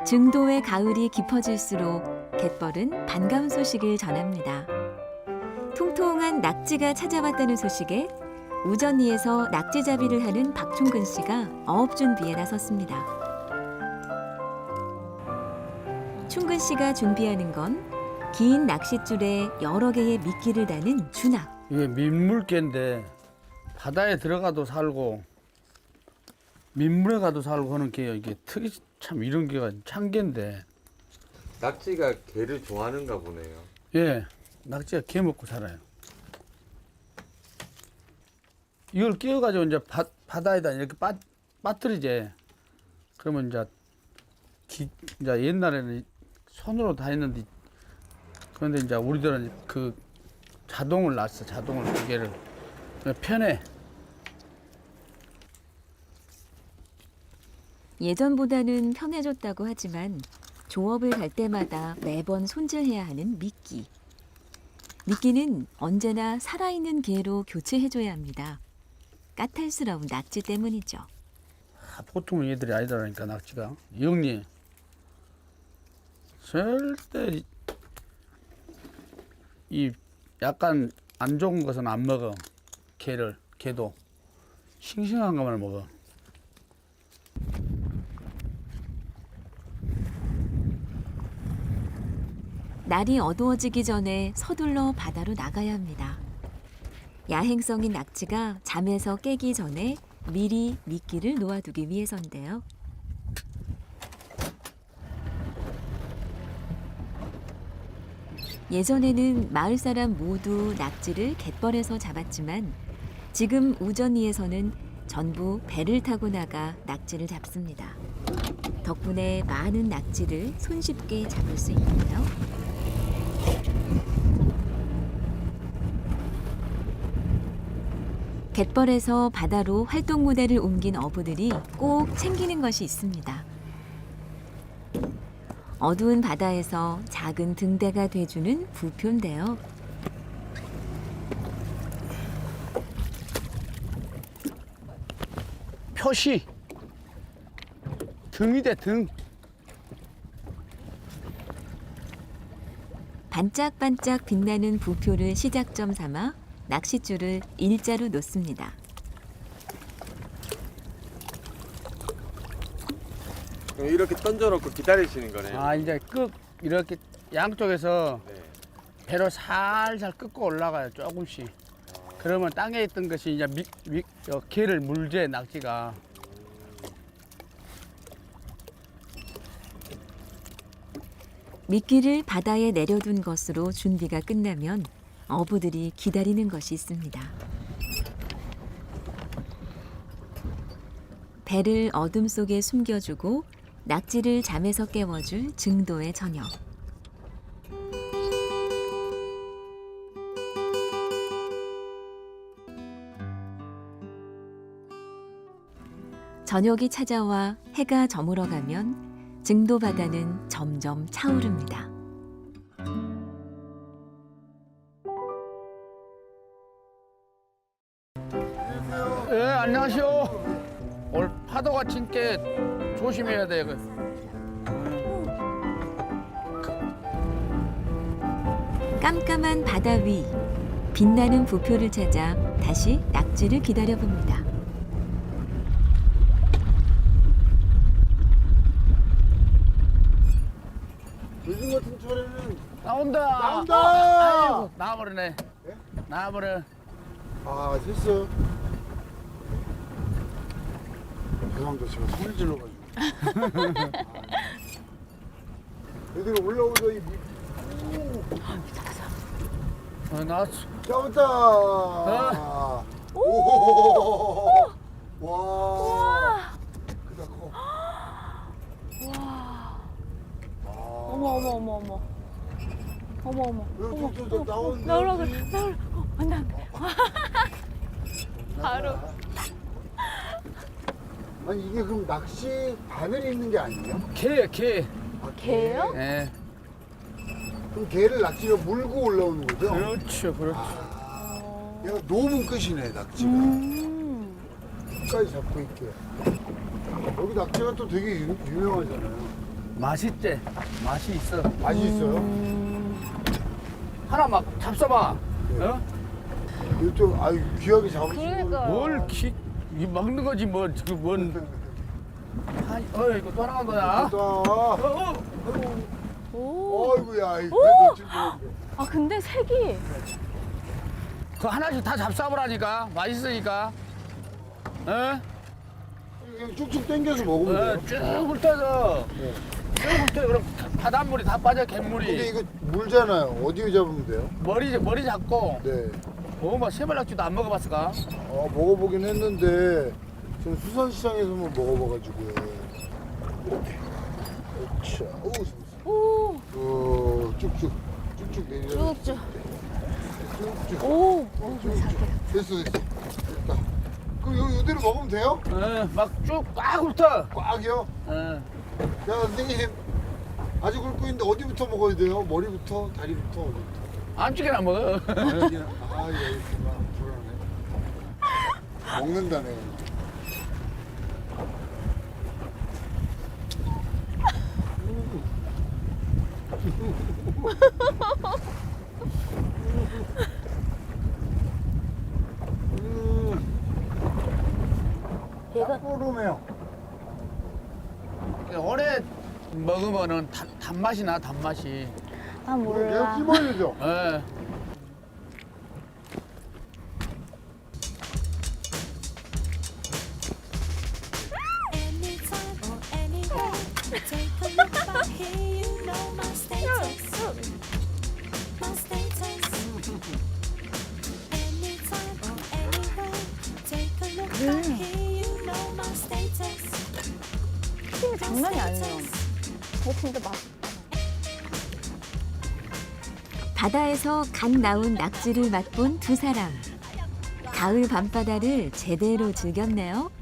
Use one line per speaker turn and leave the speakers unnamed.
증도의 가을이 깊어질수록 갯벌은 반가운 소식을 전합니다. 통통한 낙지가 찾아왔다는 소식에 우전리에서 낙지잡이를 하는 박충근 씨가 어업 준비에 나섰습니다. 충근 씨가 준비하는 건 긴 낚싯줄에 여러 개의 미끼를 다는 주낙.
이게 민물개인데 바다에 들어가도 살고 민물에 가도 살고 하는 게요. 이게 특이 참 이런 게가 참개인데.
낙지가 게를 좋아하는가 보네요.
예, 낙지가 게 먹고 살아요. 이걸 끼워가지고 이제 바다에다 이렇게 빠뜨리지. 그러면 이제 옛날에는 손으로 다 했는데, 그런데 이제 우리들은 그 자동을 놨어. 자동을 기계를 편해.
예전보다는 편해졌다고 하지만 조업을 갈 때마다 매번 손질해야 하는 미끼. 미끼는 언제나 살아있는 게로 교체해줘야 합니다. 까탈스러운 낙지 때문이죠.
보통 얘들이 아니더라니까, 낙지가. 영리. 절대 이 약간 안 좋은 것은 안 먹어. 게도. 싱싱한 것만 먹어.
날이 어두워지기 전에 서둘러 바다로 나가야 합니다. 야행성인 낙지가 잠에서 깨기 전에 미리 미끼를 놓아두기 위해서인데요. 예전에는 마을 사람 모두 낙지를 갯벌에서 잡았지만 지금 우전리에서는 전부 배를 타고 나가 낙지를 잡습니다. 덕분에 많은 낙지를 손쉽게 잡을 수 있는데요. 갯벌에서 바다로 활동 무대를 옮긴 어부들이 꼭 챙기는 것이 있습니다. 어두운 바다에서 작은 등대가 돼주는 부표인데요.
표시. 등이대, 등.
반짝반짝 빛나는 부표를 시작점 삼아 낚싯줄을 일자로 놓습니다.
이렇게 던져놓고 기다리시는 거네요.
아, 이제 이렇게 양쪽에서
네.
배로 살살 끄고 올라가요, 조금씩. 그러면 땅에 있던 것이 이제 게를 물제, 낙지가.
미끼를 바다에 내려둔 것으로 준비가 끝나면 어부들이 기다리는 것이 있습니다. 배를 어둠 속에 숨겨주고 낙지를 잠에서 깨워줄 증도의 저녁. 저녁이 찾아와 해가 저물어가면 증도 바다는 점점 차오릅니다.
예, 안녕하세요. 오늘 파도가 진게 조심해야 돼.
깜깜한 바다 위, 빛나는 부표를 찾아 다시 낙지를 기다려봅니다.
요즘 같은 철에는
나온다.
나온다.
아이고, 나와버리네.
예?
나와버려.
아 됐어. 죄송합니다. 제가 소리 질러가지고. 애들이 올라오더니
나왔어.
잡았다. 오. 와. 크다 커.
어머 어머 어머 어머 어머 어머
저 나오는데.
나오라 그래 나오라 안돼 바로.
아니 이게 그럼 낚시 바늘이 있는 게 아니에요?
게.
아,
개요?
예.
그럼 개를 낚시가 물고 올라오는 거죠?
그렇죠, 그렇죠.
얘가 너무 끝이네 낙지가. 끝까지 잡고 있게. 여기 낙지가 또 되게 유명하잖아요.
맛있지? 맛이 있어.
맛이 있어요?
하나 막 잡숴봐.
네.
어?
이거 좀 아유 귀하게 잡으시는
그러니까.
뭘 이 먹는 거지 뭐 지금 뭔? 이거 또 하나 거야?
거.
오.
어이구야.
아 근데 색이.
그 하나씩 다 잡숴보라니까. 맛있으니까. 어?
쭉쭉 당겨서 먹으면 돼요.
쭉 훑어서.
네.
쭉 훑어. 그럼 바닷물이 다 빠져
근데
갯물이.
이거 물잖아요. 어디에 잡으면 돼요?
머리 잡고.
네.
뭐 새발낙지도 안 먹어봤을까?
먹어보긴 했는데 전 수산시장에서만 먹어봐가지고요. 자,
오.
쭉쭉 내려.
쭉쭉.
쭉쭉.
오.
됐어. 됐다. 그럼 이대로 먹으면 돼요?
막 쭉 꽉 훑어.
꽉이요?
어.
야 선생님 아직 굵고 있는데 어디부터 먹어야 돼요? 머리부터? 다리부터? 어디부터?
안쪽에나 먹어.
아 여기구나. 불안해. 먹는다네.
얘가
뽀르네요.
오래 먹으면은 단맛이 나, 단맛이.
아
내가
몰라.
씹어야죠.
예.
Anytime or anywhere, take a look back here. You know my status. My status. Anytime or anywhere, take a look back here. You know my status.
튀김이 장난이 아니에요. 근데 맛.
바다에서 갓 나온 낙지를 맛본 두 사람. 가을 밤바다를 제대로 즐겼네요.